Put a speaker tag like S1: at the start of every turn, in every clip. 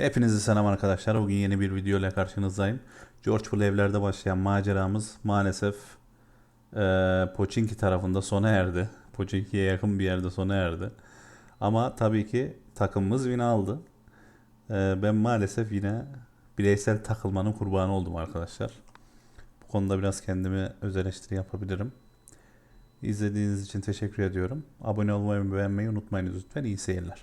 S1: Hepinize selam arkadaşlar. Bugün yeni bir video ile karşınızdayım. George Bull evlerde başlayan maceramız maalesef Pochinki tarafında sona erdi. Pochinki'ye yakın bir yerde sona erdi. Ama tabii ki takımımız win aldı. Ben maalesef yine bireysel takılmanın kurbanı oldum arkadaşlar. Bu konuda biraz kendime öz eleştiri yapabilirim. İzlediğiniz için teşekkür ediyorum. Abone olmayı ve beğenmeyi unutmayınız lütfen. İyi seyirler.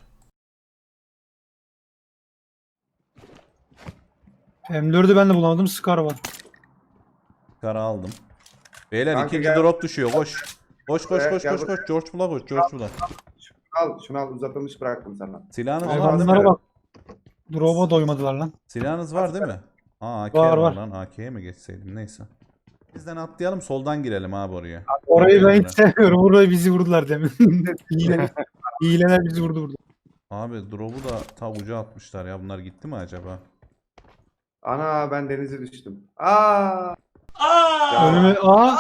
S2: M4'ü ben de bulamadım. Scar var.
S1: Kara aldım. Beyler
S3: Kanka
S1: ikinci
S3: gel.
S1: drop düşüyor. Koş. Koş koş
S3: Buraya
S1: koş
S3: gel
S1: koş koş. George Bull'a koş. George Bull'a.
S3: Şunu al uzatılmış bıraktım sana.
S1: Silahınız
S2: Abi
S1: var değil
S2: bunlara
S1: mi?
S2: bak. Drop'a doymadılar lan.
S1: Silahınız var değil mi? Aa AK
S2: Var,
S1: var
S2: var.
S1: lan. AK'ye mi geçseydim neyse. Bizden atlayalım soldan girelim abi oraya.
S2: Orayı ben hiç
S1: Oraya.
S2: sevmiyorum. Burayı bizi vurdular demin. Hileler bizi vurdu burada.
S1: Abi drop'u da ta uca atmışlar ya. Bunlar gitti mi acaba?
S3: Ana ben denize düştüm. Aa!
S2: Önüme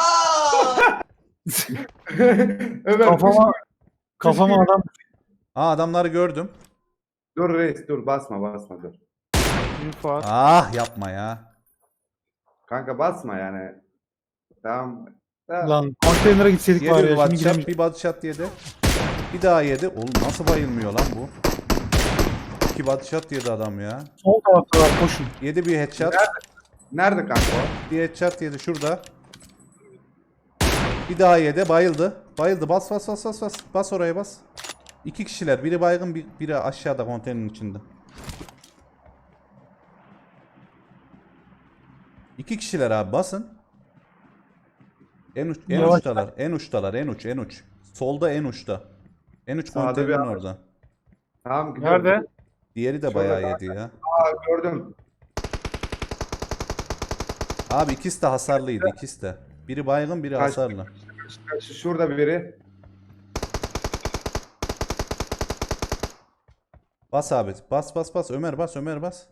S3: Ömer
S2: kafama adam.
S1: Aa adamları gördüm.
S3: Dur reis dur basma dur.
S2: Info.
S1: Ah yapma ya.
S3: Kanka basma yani. Tamam. Tamam.
S2: Lan konteynere gitseydik
S1: Yedi
S2: var
S1: bir
S2: ya.
S1: body
S2: Şimdi
S1: shot,
S2: gidemeyiz.
S1: bir body shot yedi. Bir daha yedi. Oğlum nasıl bayılmıyor lan bu? İki body shot yedi adam ya.
S2: Sol tarafta var. Koşun.
S3: Yedi
S1: Bir headshot.
S3: Nerede kanka o?
S1: Bir headshot yedi şurada. Bir daha yedi. Bayıldı. Bayıldı. Bas bas bas bas bas. Bas oraya bas. İki kişiler. Biri baygın, biri aşağıda konteynerin içinde. İki kişiler abi basın. En
S2: Yavaş.
S1: uçtalar. En uçtalar. En uç. Solda en uçta. En uç
S3: Sağda
S1: konteynerin
S3: bir adam.
S1: orada.
S3: Tamam gidiyorum.
S2: Nerede?
S1: Diğeri de
S3: Şurada
S1: bayağı
S3: kanka.
S1: yedi ya.
S3: Aa gördüm.
S1: Abi ikisi de hasarlıydı. İkisi de. Biri baygın, biri
S3: Kaç-
S1: hasarlı.
S3: Şurada biri.
S1: Bas abi. Bas bas bas. Ömer bas. Ömer bas.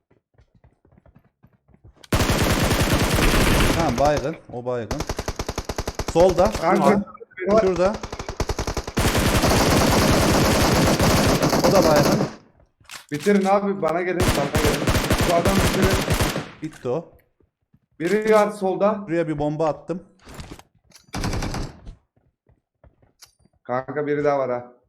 S1: Tamam baygın. O baygın. Solda.
S3: Kanka
S1: Şurada.
S3: biri var.
S1: Şurada. O da baygın.
S3: Bitirin abi bana gelin. Bu adam bitirin.
S1: Bitti o.
S3: Biri var solda.
S1: Buraya bir bomba attım.
S3: Kanka biri daha var ha.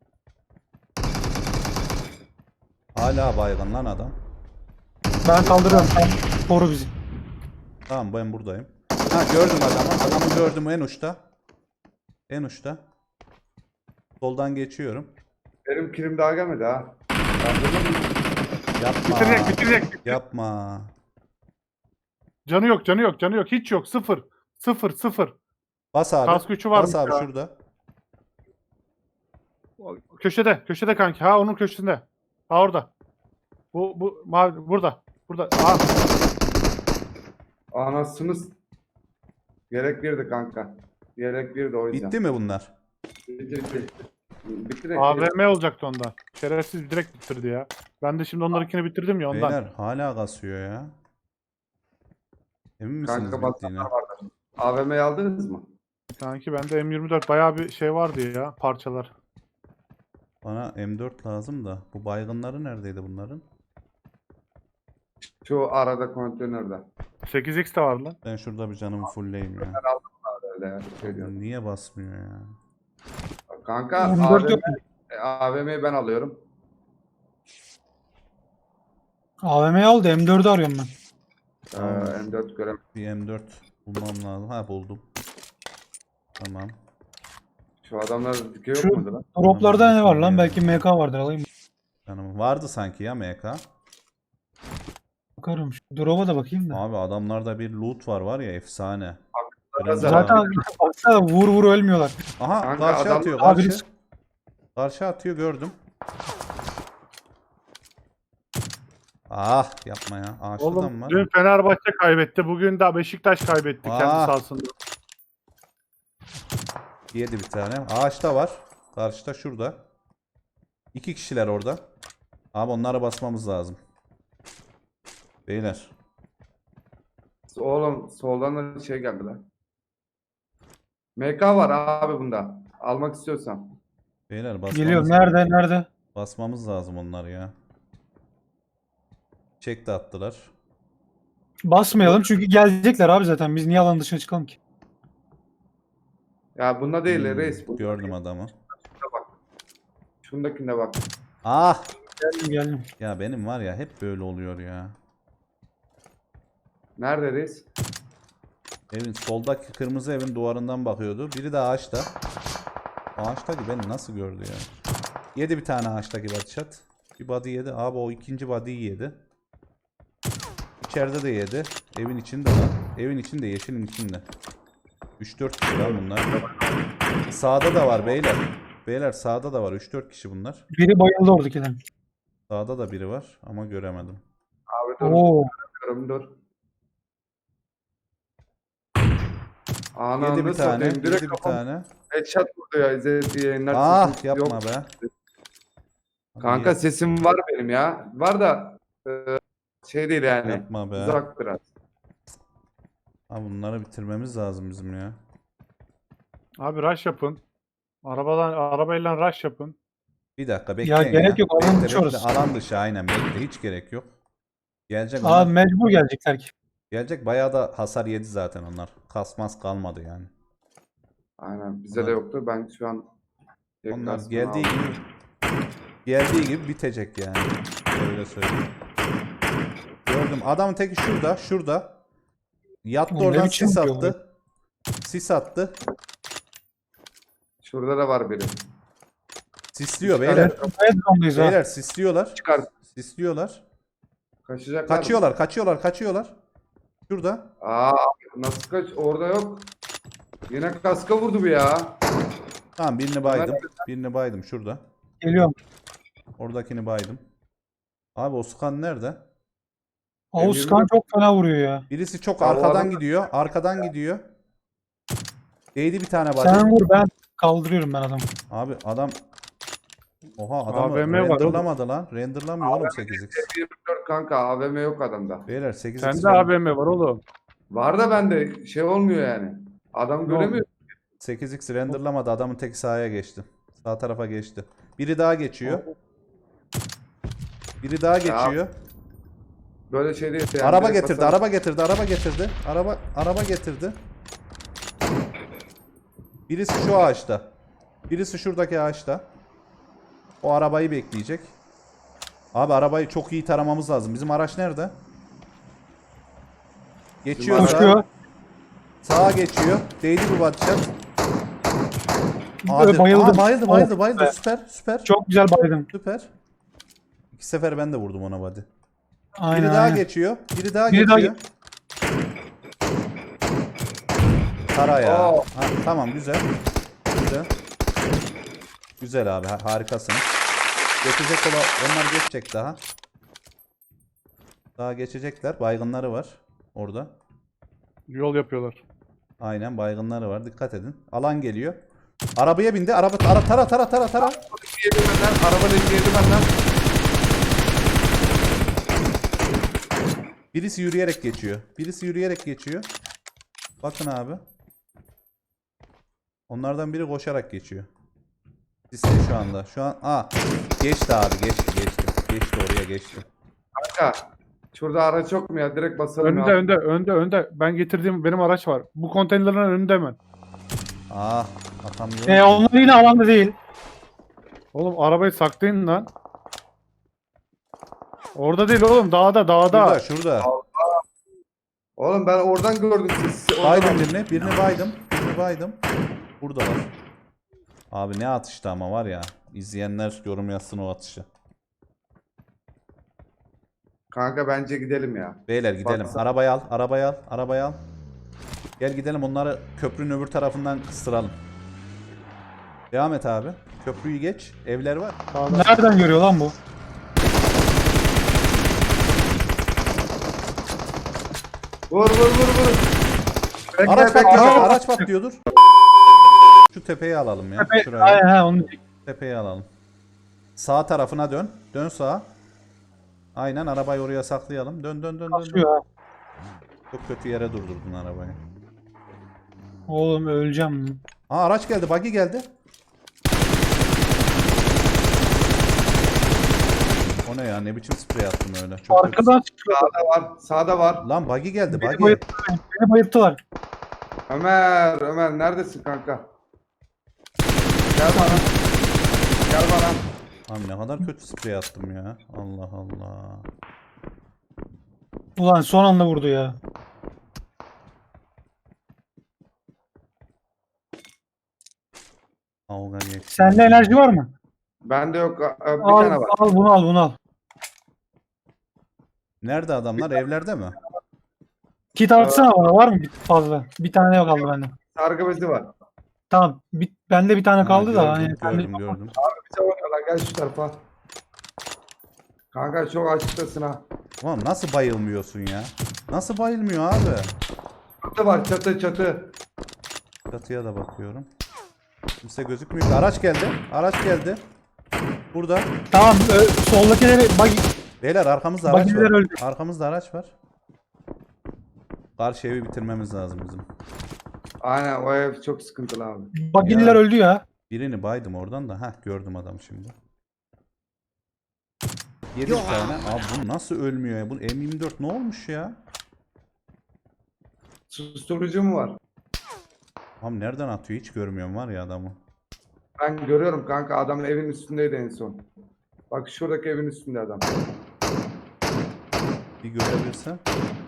S1: Hala baygın lan adam.
S2: Ben kaldırıyorum. Sen koru bizi.
S1: Tamam ben buradayım. Ha gördüm adamı. Adamı gördüm en uçta. En uçta. Soldan geçiyorum.
S3: Benim kilim daha gelmedi ha.
S1: Yapma.
S4: Bitirecek.
S1: Yapma.
S4: Canı yok. Hiç yok. Sıfır.
S1: Bas abi.
S4: Kas gücü var
S1: Bas
S4: mı
S1: abi
S4: ya?
S1: şurada.
S4: Köşede kanki. Ha onun köşesinde. Ha orada. Bu mavi burada. Ha.
S3: Anasınız. Gerek birdi kanka. Gerek birdi o yüzden.
S1: Bitti mi bunlar?
S3: Bitti. Bitti de.
S4: AVM olacaktı onda. Şerefsiz direkt bitirdi ya. Ben de şimdi onlarınkini bitirdim ya ondan.
S1: Beyler hala kasıyor ya. Emin misiniz
S3: Kanka
S1: bittiğine?
S3: basanlar vardır. AVM'yi aldınız mı?
S4: Kanki bende M24 bayağı bir şey vardı ya parçalar.
S1: Bana M4 lazım da. Bu baygınları neredeydi bunların?
S3: Şu arada konteynerde.
S4: 8x de var lan.
S1: Ben şurada bir canımı fullleyim ya.
S3: Öyle şey diyorum.
S1: Niye basmıyor ya?
S3: Kanka
S2: M4 yok.
S3: AVM'yi ben alıyorum.
S2: AVM'yi aldı. M4'ü arıyorum ben.
S1: Tamam.
S3: M4 görem.
S1: Bir M4 bulmam lazım. Ha buldum. Tamam.
S3: Şu adamlar dikey yok
S2: Şu-
S3: muydu lan?
S2: Droplarda ne var lan?
S1: Ya.
S2: Belki MK vardır. Alayım.
S1: Canım vardı sanki ya MK.
S2: Bakarım. Şu drop'a da bakayım da.
S1: Abi adamlarda bir loot var ya efsane.
S2: Zaten baksana vur ölmüyorlar.
S1: Aha
S3: Kanka
S1: karşı
S3: adam-
S1: atıyor
S2: Abi
S1: karşı.
S2: biz-
S1: Karşı atıyor gördüm. Ah yapma ya. Ağaçta da mı
S4: Oğlum
S1: var?
S4: dün Fenerbahçe kaybetti. Bugün de Beşiktaş kaybetti kendi
S1: Ah.
S4: sahasında.
S1: Yedi bir tane. Ağaçta var. Karşıda şurada. İki kişiler orada. Abi onlara basmamız lazım. Beyler.
S3: Oğlum soldan da şey geldi lan. MK var abi bunda. Almak istiyorsan.
S1: Beyler basmamız,
S2: Geliyor. Nerede?
S1: basmamız lazım onları ya. Çek de attılar.
S2: Basmayalım çünkü gelecekler abi zaten. Biz niye alan dışına çıkalım ki?
S3: Ya bunda değil reis.
S1: Gördüm adamı.
S3: Bak. Şundakine bak.
S1: Ah!
S2: Geldim.
S1: Ya benim var ya hep böyle oluyor ya.
S3: Nerede reis?
S1: Evin soldaki kırmızı evin duvarından bakıyordu. Biri de ağaçta. Ağaçtaki beni nasıl gördü ya? Yedi bir tane ağaçtaki body shot. Bir body yedi. Abi o ikinci body'yi yedi. İçeride de yedi. Evin içinde lan. Evin içinde, yeşilin içinde. 3-4 kişi lan bunlar. Sağda da var beyler. Beyler sağda da var. 3-4 kişi bunlar.
S2: Biri bayıldı oradakinden.
S1: Sağda da biri var ama göremedim.
S3: Abi dur.
S2: Oo.
S3: Dur.
S1: Yedi bir
S3: Ananı
S1: tane.
S3: satayım. Direkt
S1: Yedi bir
S3: kafam
S1: tane.
S3: headshot vurdu ya. İzlediği yayınlar.
S1: Ah
S3: sesim
S1: yapma
S3: yok.
S1: be.
S3: Kanka sesim var benim ya. Var da şey değil yani.
S1: Yapma be.
S3: Uzak biraz.
S1: Ha, bunları bitirmemiz lazım bizim ya.
S4: Abi rush yapın. Arabayla rush yapın.
S1: Bir dakika bekleyin ya.
S2: gerek yok, alan
S1: Bekle,
S2: dışı orası.
S1: Alan dışı aynen bekle. Hiç gerek yok. Gelecek
S2: Abi
S1: onlar.
S2: mecbur gelecekler ki.
S1: Gelecek bayağı da hasar yedi zaten onlar. Kasmaz kalmadı yani.
S3: Aynen. Bize de
S1: Onlar-
S3: yoktu. Ben şu an
S1: Onlar
S3: kasmını
S1: geldiği gibi bitecek yani. Öyle söyleyeyim. Gördüm. Adamın teki şurada, şurada. Yattı
S2: Oğlum ne
S1: oradan
S2: biçim
S1: sis
S2: yapıyor
S1: attı. Sis attı.
S3: Şurada da var biri.
S1: Sisliyor beyler.
S2: Evet, zondayız ha.
S1: Beyler sisliyorlar.
S3: Çıkar.
S1: Sisliyorlar.
S3: Kaçacaklar.
S1: Kaçıyorlar. Şurada.
S3: Aa nasıl kaç? Orada yok. Yine kaska vurdu bu ya.
S1: Tamam birini baydım. Birini baydım şurada.
S2: Geliyorum.
S1: Oradakini baydım. Abi Oskan nerede?
S2: Oğuzkan çok fena vuruyor ya.
S1: Birisi çok
S3: Abi o
S1: arkadan
S3: adam-
S1: gidiyor. Arkadan gidiyor. Değdi bir tane body.
S2: Sen vur, ben kaldırıyorum ben adamı.
S1: Abi adam oha adamı
S4: AVM var oğlum.
S1: renderlamadı lan. Renderlamıyor oğlum 8x.
S3: 24 kanka AVM yok adamda.
S1: Beyler 8x.
S4: Sende AVM var oğlum.
S3: Var da bende şey olmuyor yani. Adam göremiyor.
S1: 8x renderlamadı. Adamın tek sahaya geçti. Sağ tarafa geçti. Biri daha geçiyor. Biri daha geçiyor.
S3: Böyle şey değil. Yani
S1: Araba
S3: direkt
S1: getirdi,
S3: basar-
S1: araba getirdi, araba getirdi. Araba getirdi. Birisi şu ağaçta. Birisi şuradaki ağaçta. O arabayı bekleyecek. Abi arabayı çok iyi taramamız lazım. Bizim araç nerede? Geçiyor
S3: Bizim
S1: sağa.
S2: Koşuyor.
S1: Sağa geçiyor. Değdi bu batacak.
S2: Bayıldı.
S1: Bayıldı.
S2: Of be.
S1: Süper.
S2: Çok güzel baydım.
S1: Süper. İki sefer ben de vurdum ona body.
S2: Aynen.
S1: Biri daha
S2: aynen.
S1: geçiyor. Biri daha
S2: Biri daha
S1: geçiyor. Tara ya.
S3: Aa.
S1: Ha, tamam güzel. Güzel abi harikasınız. Geçecek onlar geçecek daha. Daha geçecekler. Baygınları var orada.
S4: Yol yapıyorlar.
S1: Aynen baygınları var. Dikkat edin. Alan geliyor. Arabaya bindi. Araba tara.
S3: Yedi benden. Araba leki yedi benden.
S1: Birisi yürüyerek geçiyor. Bakın abi. Onlardan biri koşarak geçiyor. Sisli şu anda. Şu an geçti abi geçti. Geçti oraya geçti.
S3: Kanka. Şurada araç yok mu ya? Direkt basalım ya.
S4: Önde. Ben getirdiğim benim araç var. Bu konteynerin önünde hemen.
S1: Atamıyorum.
S2: Onlar yine alanda değil.
S4: Oğlum arabayı saklayın lan. Orada değil oğlum dağda.
S1: Şurada.
S3: Oğlum ben oradan gördüm sizi.
S1: Baydım birini baydım. Burada var. Abi ne atıştı ama var ya. İzleyenler yorum yazsın o atışı.
S3: Kanka bence gidelim ya.
S1: Beyler gidelim.
S3: Baksana.
S1: Arabayı al. Gel gidelim onları köprünün öbür tarafından kıstıralım. Devam et abi. Köprüyü geç. Evler var.
S2: Nereden görüyor lan bu?
S3: Vur. Bekle,
S1: Araç patlıyordur. Şu tepeyi alalım ya. Şuraya.
S2: Aynen onu
S1: Tepeyi alalım. Sağ tarafına dön. Dön sağa. Aynen arabayı oraya saklayalım. Dön.
S2: basıyor ha.
S1: Çok kötü yere durdurdun arabayı.
S2: Oğlum öleceğim.
S1: Araç geldi. Buggy geldi. O ne ya? Ne biçim sprey attın öyle? Çok kötü.
S2: Arkadan çıkıyor.
S3: Sağda var. Sağda var.
S1: Lan buggy geldi
S2: Beni
S1: buggy.
S2: bayılttılar. Beni bayılttılar.
S3: Ömer neredesin kanka? Gel bana. Gel bana.
S1: Abi ne kadar kötü sprey attım ya. Allah Allah.
S2: Ulan son anda vurdu ya.
S1: Kavga geçti.
S2: Sende enerji var mı?
S3: Bende yok. Bir
S2: Al,
S3: tane var.
S2: al bunu al bunu al.
S1: Nerede adamlar? Evlerde mi?
S2: Kit atsana bana, var mı fazla? Bir tane yok kaldı bende.
S3: Sargı bezi var.
S2: Tamam. Bende bir tane kaldı da.
S1: Gördüm,
S2: Hani
S1: gördüm, gördüm.
S3: Bize oynuyorlar. Gel şu tarafa. Kanka çok açıktasın ha.
S1: Ulan nasıl bayılmıyorsun ya? Nasıl bayılmıyor abi?
S3: Çatı var çatı çatı.
S1: Çatıya da bakıyorum. Kimse gözükmüyor. Araç geldi. Araç geldi. Burada.
S2: Tamam, soldakileri bak,
S1: Beyler arkamızda araç
S2: Buggy'ler
S1: var.
S2: öldü.
S1: Arkamızda araç var. Karşı evi bitirmemiz lazım bizim.
S3: Aynen o ev çok sıkıntılı abi.
S2: bagiller
S1: Ya.
S2: öldü ya.
S1: Birini baydım oradan da. Heh gördüm adamı şimdi. 7 tane. Abi bu nasıl ölmüyor ya? Bu M24 ne olmuş ya?
S3: Susturucu mu var?
S1: Abi nereden atıyor? Hiç görmüyorum var ya adamı.
S3: Ben görüyorum kanka adam evin üstündeydi en son. Bak şuradaki evin üstünde adam.
S1: Bir görebilsem.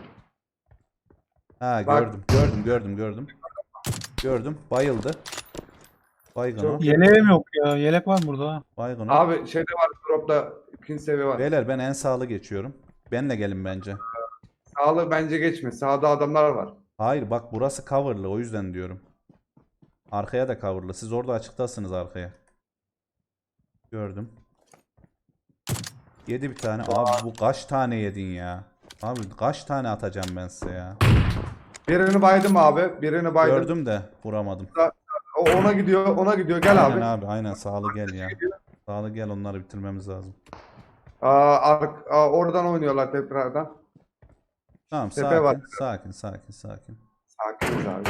S1: Ha
S3: Bak.
S1: gördüm. Gördüm. Bayıldı. Baygın o.
S3: Çok-
S2: Yeleğim yok ya. Yelek var mı burada? Ha?
S1: Baygın o.
S3: Abi şeyde var dropta ikinci seviye var.
S1: Beyler ben en sağlı geçiyorum. Benle gelin bence.
S3: Sağlı bence geçme. Sağda adamlar var.
S1: Hayır bak burası coverlı o yüzden diyorum. Arkaya da coverlı. Siz orada açıktasınız arkaya. Gördüm. Yedi bir tane. Abi bu kaç tane yedin ya? Abi kaç tane atacağım ben size ya?
S3: Birini baydım abi. Birini baydım.
S1: Gördüm de vuramadım.
S3: O ona gidiyor. Ona gidiyor. Gel
S1: Aynen
S3: abi.
S1: abi aynen sağlı gel ya. Sağlı gel onları bitirmemiz lazım.
S3: Oradan oynuyorlar tekrardan.
S1: Tamam
S3: Tepe
S1: sakin,
S3: var.
S1: sakin.
S3: Sakiniz abi.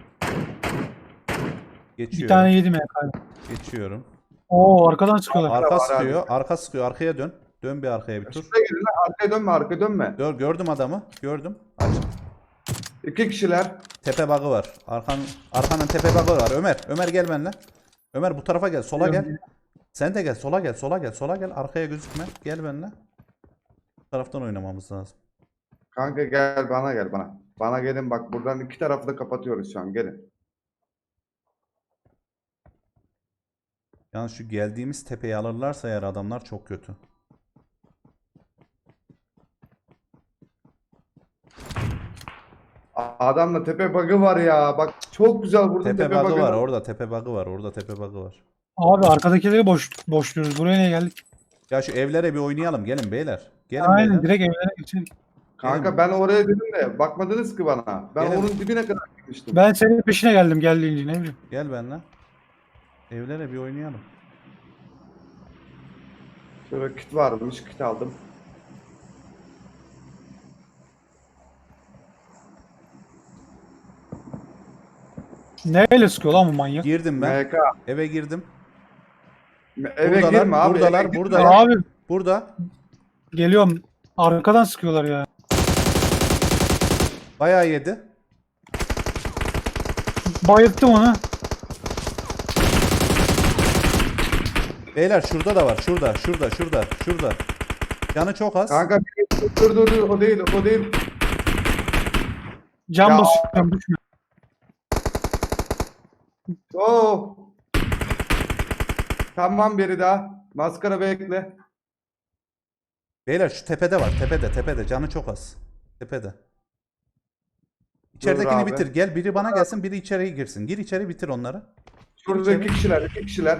S2: Bir
S1: Geçiyorum.
S2: tane yedim ya.
S1: Geçiyorum.
S2: Oo, arkadan çıkıyorlar.
S1: Arka
S3: var
S1: sıkıyor, arka sıkıyor. Arkaya dön. Dön bir arkaya bir tur.
S3: Şuraya gidin lan. Arkaya dönme. Arkaya dönme.
S1: Gördüm adamı. Gördüm. Aç.
S3: 2 kişiler.
S1: Tepe bug'ı var. Arkanın tepe bug'ı var. Ömer gel benimle. Ömer bu tarafa gel. Sola gel. Sen de gel. Sola gel. Arkaya gözükme. Gel benimle. Bu taraftan oynamamız lazım.
S3: Kanka gel bana gel bana. Bana gelin bak buradan iki tarafı da kapatıyoruz şu an. Gelin.
S1: Yalnız şu geldiğimiz tepeyi alırlarsa eğer adamlar çok kötü.
S3: Adamla tepe bug'ı var ya. Bak çok güzel vurdum
S1: Tepe
S3: tepe
S1: bug'ı
S3: bug'ı.
S1: var. Orada tepe bug'ı var. Orada tepe bug'ı var.
S2: Abi arkadakileri boşluyoruz. Buraya niye geldik?
S1: Ya şu evlere bir oynayalım. Gelin beyler. Gelin
S2: Aynen,
S1: beyler.
S2: direkt evlere geçelim.
S3: Kanka ben oraya dedim de bakmadınız ki bana. Ben
S1: Gelin.
S3: onun dibine kadar gitmiştim.
S2: Ben senin peşine geldim geldiğince, ne bileyim.
S1: Gel benimle. Evlere bir oynayalım.
S3: Şöyle kit varmış. Kit aldım.
S2: Neyle sıkıyor lan bu manyak?
S1: Girdim ben.
S3: MK.
S1: Eve girdim.
S3: Eve
S1: Buradalar,
S3: girme abi.
S1: buradalar,
S3: eve girme.
S1: buradalar.
S2: Abi
S1: Burada.
S2: geliyorum. Arkadan sıkıyorlar ya.
S1: Bayağı yedi.
S2: Bayılttım onu.
S1: Beyler şurada da var. Şurada. Canı çok az.
S3: Kanka dur o değil o değil.
S2: Cam
S3: Ya.
S2: basıyorum, düşme.
S3: Oo. Tamam biri daha. Maskara bekle.
S1: Beyler şu tepede var. Tepede. Canı çok az. Tepede. İçeridekini
S3: abi.
S1: bitir. Gel biri bana gelsin, biri içeriye girsin. Gir içeri bitir onları.
S3: Şurada
S1: içeri.
S3: iki kişiler.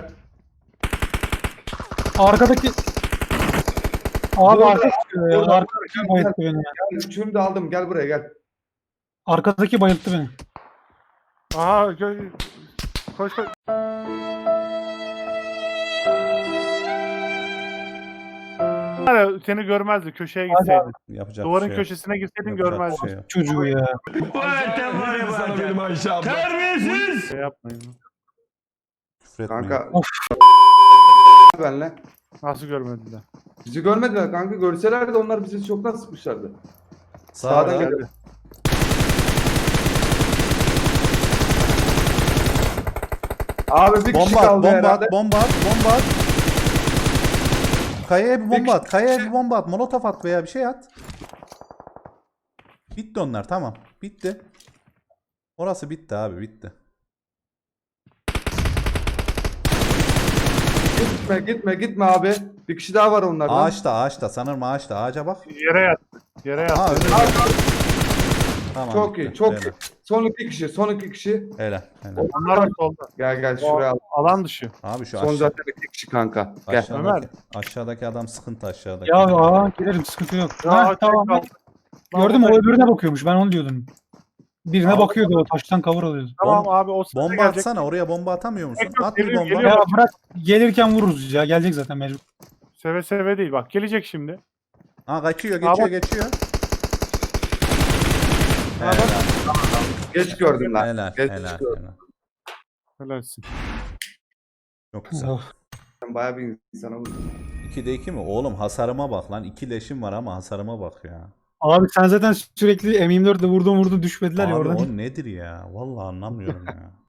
S2: Arkadaki... Abi
S3: Burada,
S2: arka çıkıyor ya.
S3: burada.
S2: Arkadaki bayılttı beni ya.
S3: Gel, üçünü de aldım. Gel buraya gel.
S2: Arkadaki bayılttı beni.
S4: Aha koş. Yani seni görmezdi, köşeye gitseydin.
S1: Yapacak
S4: Duvarın
S1: bir şey yok.
S4: köşesine gitseydin
S1: Yapacak bir
S4: görmezdin.
S1: şey yok.
S2: Çocuğu ya.
S4: Şey yapmayın.
S1: Küfür etmeyin.
S3: Kanka. benimle.
S4: Nasıl görmediler?
S3: Bizi görmediler kanka. Görselerdi onlar bizi çoktan sıkmışlardı.
S1: Sağda.
S3: Sağdan geldi. Abi bir kişi
S1: Bomba at,
S3: kaldı
S1: bomba
S3: herhalde.
S1: at, bomba at, bomba at. Kayaya bir bomba at, kayaya bir bomba at. Molotof at veya bir şey at. Bitti onlar, tamam. Bitti. Orası bitti abi, bitti.
S3: Gitme abi. Bir kişi daha var onlardan.
S1: Ağaçta, sanırım ağaçta. Ağaca bak.
S4: Yere yat. Yere yat.
S1: Aa, önünde.
S3: Abi,
S1: Tamam,
S3: çok
S1: bitti.
S3: iyi, çok
S1: Helal.
S3: iyi. Son iki kişi.
S1: Helal, helal.
S4: Onlar da solda.
S3: Gel
S4: O
S3: şuraya al.
S4: alan dışı.
S1: Abi şu
S3: Son zaten iki kişi kanka. Gel.
S1: aşağıdaki adam sıkıntı aşağıdaki.
S2: Ya gelirim sıkıntı yok.
S4: Ya,
S2: Ha, tamam.
S4: kaldı.
S2: Gördüm o öbürüne bakıyormuş. Ben onu diyordum. Birine
S4: Abi-
S2: bakıyordu o taştan cover alıyordu.
S4: Tamam abi o size
S1: Bomba
S4: gelecek.
S1: atsana, oraya bomba atamıyor musun?
S4: Yok, yok,
S1: At bir
S4: geliyor,
S1: bomba.
S4: geliyor.
S2: Ya bırak gelirken vururuz ya. Gelecek zaten mecbur.
S4: Seve seve değil bak gelecek şimdi.
S1: Aa, kaçıyor,
S4: Aa, bak.
S1: geçiyor.
S4: Aa,
S1: Helal,
S3: Geç gördüm lan.
S1: helal,
S3: Geç
S1: helal,
S3: gördüm.
S1: helal.
S4: Helalsin.
S1: Çok güzel.
S2: Oh.
S3: Sen bayağı bir insana vurdun.
S1: 2'de 2 mi? Oğlum hasarıma bak lan. 2 leşim var ama hasarıma bak ya.
S2: Abi sen zaten sürekli M24'le vurdun düşmediler ya
S1: Abi
S2: oradan.
S1: o nedir ya? Vallahi anlamıyorum ya.